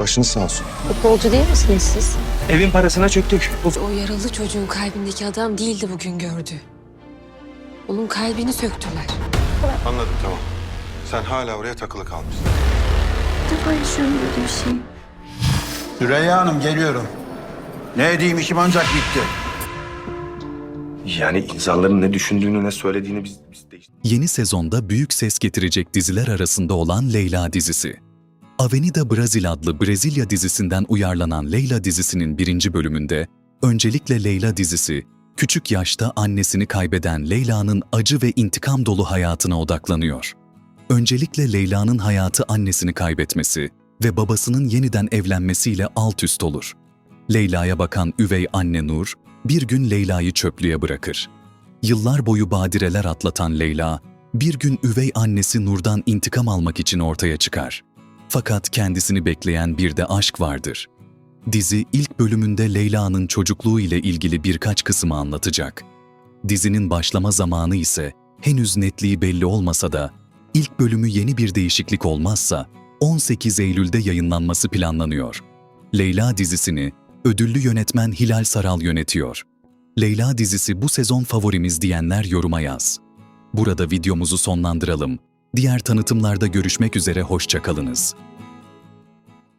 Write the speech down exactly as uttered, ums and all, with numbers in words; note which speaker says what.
Speaker 1: Başınız sağ olsun.
Speaker 2: Futbolcu değil misiniz siz?
Speaker 3: Evin parasına çöktük. Of.
Speaker 2: O yaralı çocuğun kalbindeki adam değildi bugün gördü. Onun kalbini söktüler.
Speaker 1: Anladım, tamam. Sen hala oraya takılı kalmışsın.
Speaker 2: İlk defa yaşıyorum böyle bir şey.
Speaker 4: Süreyya Hanım geliyorum. Ne edeyim işim ancak bitti.
Speaker 3: Yani insanların ne düşündüğünü, ne söylediğini biz, biz değiştirdik.
Speaker 5: Yeni sezonda büyük ses getirecek diziler arasında olan Leyla dizisi. Avenida Brasil adlı Brezilya dizisinden uyarlanan Leyla dizisinin birinci bölümünde, öncelikle Leyla dizisi, küçük yaşta annesini kaybeden Leyla'nın acı ve intikam dolu hayatına odaklanıyor. Öncelikle Leyla'nın hayatı annesini kaybetmesi ve babasının yeniden evlenmesiyle alt üst olur. Leyla'ya bakan üvey anne Nur, bir gün Leyla'yı çöplüğe bırakır. Yıllar boyu badireler atlatan Leyla, bir gün üvey annesi Nur'dan intikam almak için ortaya çıkar. Fakat kendisini bekleyen bir de aşk vardır. Dizi ilk bölümünde Leyla'nın çocukluğu ile ilgili birkaç kısmı anlatacak. Dizinin başlama zamanı ise henüz netliği belli olmasa da, ilk bölümü yeni bir değişiklik olmazsa on sekiz Eylül'de yayınlanması planlanıyor. Leyla dizisini ödüllü yönetmen Hilal Saral yönetiyor. Leyla dizisi bu sezon favorimiz diyenler yoruma yaz. Burada videomuzu sonlandıralım. Diğer tanıtımlarda görüşmek üzere, hoşça kalınız.